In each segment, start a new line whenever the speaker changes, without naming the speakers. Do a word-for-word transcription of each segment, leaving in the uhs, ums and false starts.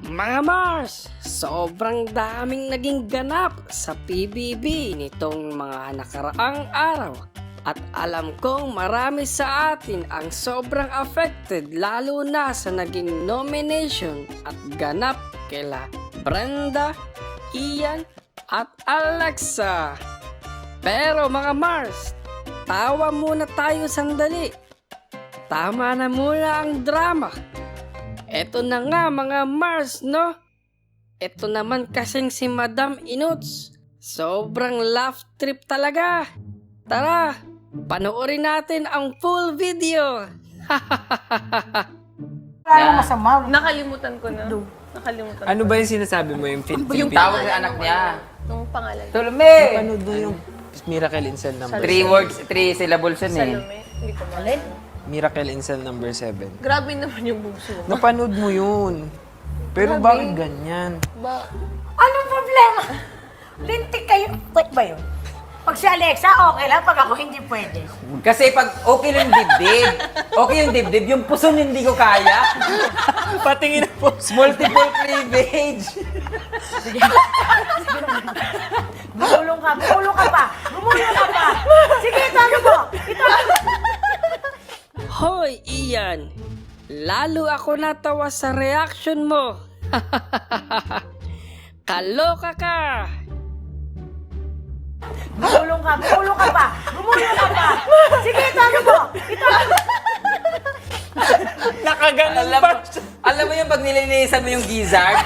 Mga Mars, sobrang daming naging ganap sa P B B nitong mga nakaraang araw. At alam kong marami sa atin ang sobrang affected lalo na sa naging nomination at ganap kila Brenda, Ian at Alexa. Pero mga Mars, tawa muna tayo sandali. Tama na muna ang drama. Eto na nga mga Mars, no? Eto naman kasing si Madam Inuts. Sobrang laugh trip talaga. Tara, panoorin natin ang full video.
Wala masama.
Nakalimutan ko na. Nakalimutan
Ano ba yung sinasabi mo? Yung fit?
Yung
Tawag ng anak niya.
Yung pangalan.
Salome!
Ano doon yung Miracle in Cell number
Three words, three syllables yun eh.
Salome. Hindi ko malin.
Miracle in Cell number seven.
Grabe naman yung bugso.
Napanood mo yun. Pero bakit ganyan?
Ba?
Anong problema? Lintik kayo. Wait ba yun? Pag si Alexa, okay lang. Pag ako, hindi pwede.
Kasi pag okay lang yung dibdib, okay yung dibdib, yung puso hindi ko kaya.
Patingin po.
Multiple cleavage.
Gumulong ka. Gumulong ka pa. Gumulong ka pa. Sige, itago mo. Itago.
Hoy Ian, lalo ako natawa sa reaction mo. Kaloka ka.
Gumulong ka. Gumulong ka pa. Gumulong ka pa. Sige, itago mo. Itago.
Nakaganon
Alam
pa
mo, alam mo yung pag nililinisan mo yung gizzard?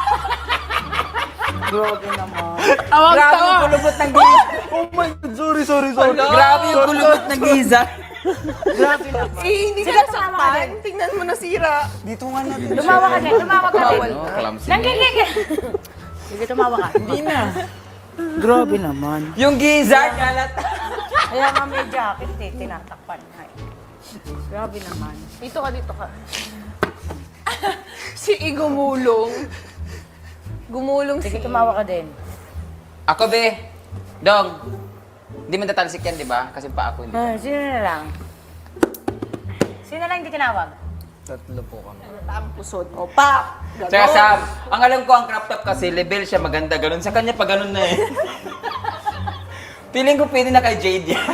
Grabe naman.
Grabe yung kulubot ng gizzard.
Oh my God, sorry, sorry, sorry.
Grabe yung kulubot ng gizzard.
Grabe naman.
Eh, hindi
Sige,
ka
tumawa ka
nasaktan.
din.
Tingnan mo nasira.
Dito nga natin.
Tumawa ka din. Tumawa ka din.
Bawal.
Nanggigigil. Sige, tumawa ka. Hindi na. Grabe naman.
Yung gizzard, kalat.
Kaya nga may jacket eh. Tinatakpan nga eh. Grabe naman.
Dito ka, dito ka. Si Igumulong. Gumulong si...
Sige, tumawa ka din.
Ako be, Dong, hindi man tatalsik yan, di ba? Kasi pa ako hindi.
Ah, sino na lang? Sino na lang hindi tinawag?
Tatlo po kami.
Ang pusod. O, pa!
Tsaka Sam, ang alam ko ang crop top kasi level siya maganda ganun. Sa kanya pa ganun na eh. Feeling ko pwede na kay Jade yan.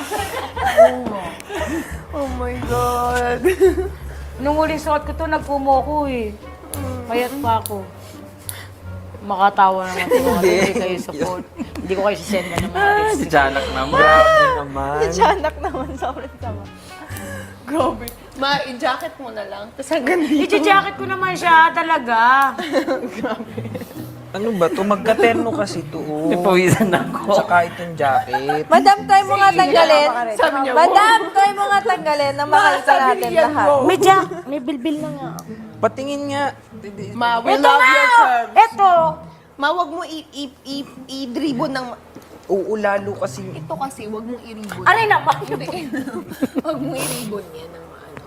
Oh my God.
Nung huling suot ko to, nagpumo ko eh. Payat pa ako. Makatawa naman ito. Hindi. Hindi kayo support. Hindi ko kayo sisend na ng mga
Si
lipstick.
Janak naman.
Grabe naman.
Tiyanak naman, sobrang sama. Grabe. Ma, i-jacket mo na lang. Tapos hanggang dito.
I-jacket ko naman siya talaga.
Ano ba to? Magkaterno kasi to. Oh.
Napawisan ako.
Tsaka itong jacket.
Madam, try mo nga tanggalin.
Sabi niya,
Madam, try mo nga tanggalin na makita natin lahat.
May jack. May bilbil na nga.
Patingin nga.
Ma, we
Ito
love
na!
your curves.
Ito!
Ma, wag mo i- i- i- i-dribon ng...
Oo, lalo kasi.
Ito kasi, wag mong i-ribbon.
Aray na ba?
Wag mong i-ribbon yan ng ano.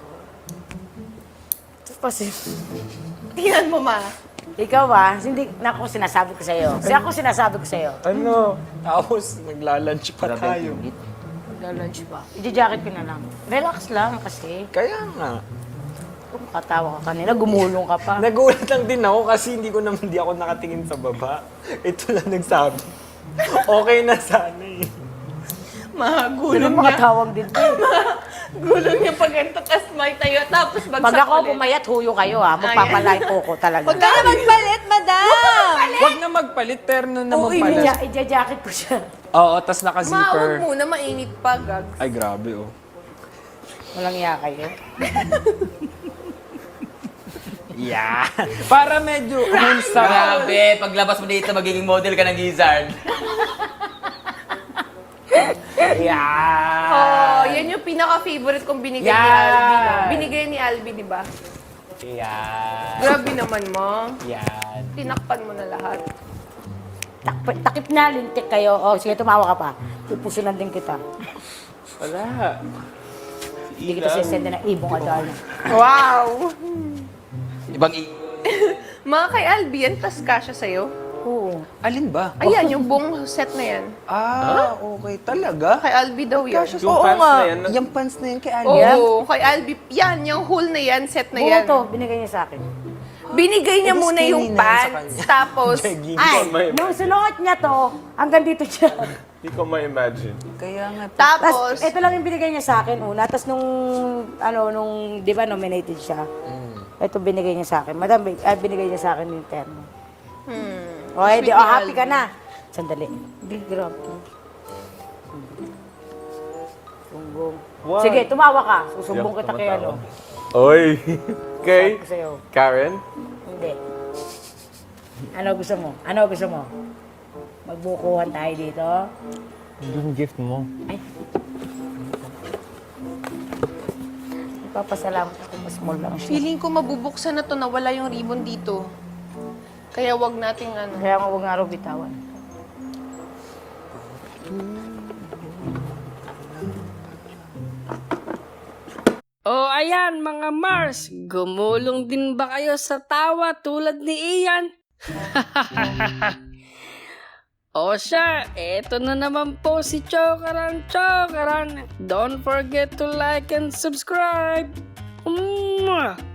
Kasi,
Tingnan mo, ma.
ikaw ah, hindi, naku, sinasabi ko sa'yo. Kasi ako sinasabi ko sa'yo.
Ano? Tapos naglalunch pa tayo.
Magla-lunch pa. I-jacket ko na lang. Relax lang kasi.
Kaya nga.
Katawa ka kanina, gumulong ka pa.
Nagulat lang din ako kasi hindi ko naman di ako nakatingin sa baba. Ito lang nagsabi. Okay na sana eh.
Ma,
Hindi
gulong niya.
makatawag din to.
Gulong niya pag ganito, tas may tayo, tapos bagsak
Pag ako
ulit.
pumayat, huyo kayo ah. Magpapalay po ko talaga.
Huwag ka na magpalit, madam!
Huwag na magpalit, terno naman
Oo,
pala.
i- i-jacket ko siya.
Oo, tas
Ma, huwag
naka-zipper.
muna, mainit pa, gag.
Ay, grabe oh.
Walang iya kayo.
Yeah. Para medyo wholesome.
Grabe, paglabas mo dito, magiging model ka ng gizzard.
Yeah.
Oh, yan yung pinaka-favorite kong binigay ni
Yan.
Albi. no? Binigay ni Albi, di ba?
Yeah.
Grabe naman mo.
Yan.
Tinakpan mo na lahat.
Tak- takip na, lintik kayo. Oh, sige, tumawa ka pa. Pupusunan din kita.
Wala.
Hindi kita sisend na ibong adal.
Wow!
Ibang i...
Mga kay Albi, yan, tas kasha sa'yo.
Oo.
Alin ba?
Ayan, yung buong set na yan.
Ah, okay talaga.
Kay Albi daw yan.
Oo nga.
Yung pants na yun kay
Oo,
Alia.
kay Albi. Yan, yung whole na yan, set na
Buo
yan.
to, binigay niya sa akin.
Binigay niya
Eh, di
muna
skinny
yung
na yun sa
pants,
kanya.
tapos,
Jegging
Ay,
ko may
nung sinuot niya to, hanggang dito siya.
Hindi ko ma-imagine.
Kaya nga.
tapos,
Tapos, ito lang yung binigay niya sa akin una. Tapos nung, ano, nung, di ba, nominated siya. Ito binigay niya sa akin. Madam, bi- ah, binigay niya sa akin yung terno.
hmm,
O, edi,
sweet
oh,
ni
happy ka
Alvin.
na. Sandali. Hindi, grabe. Sumbong.
What?
Sige, tumawa ka. Susumbong
Hindi
kita
ako
kay ano.
tumatawa. Oy! Okay.
Sabi ko sa'yo.
Karen?
Hindi. Ano gusto mo? Ano gusto mo? Magbukuhan tayo dito?
Yung gift mo.
Ay. Papasalamat ako. Mas small lang siya.
Feeling ko mabubuksan na to, nawala yung ribbon dito. Kaya wag nating ano.
Kaya nga huwag nga raw bitawan.
O ayan mga Mars, gumulong din ba kayo sa tawa tulad ni Ian? O siya, eto na naman po si Chokaran Chokaran. Don't forget to like and subscribe. Mwah!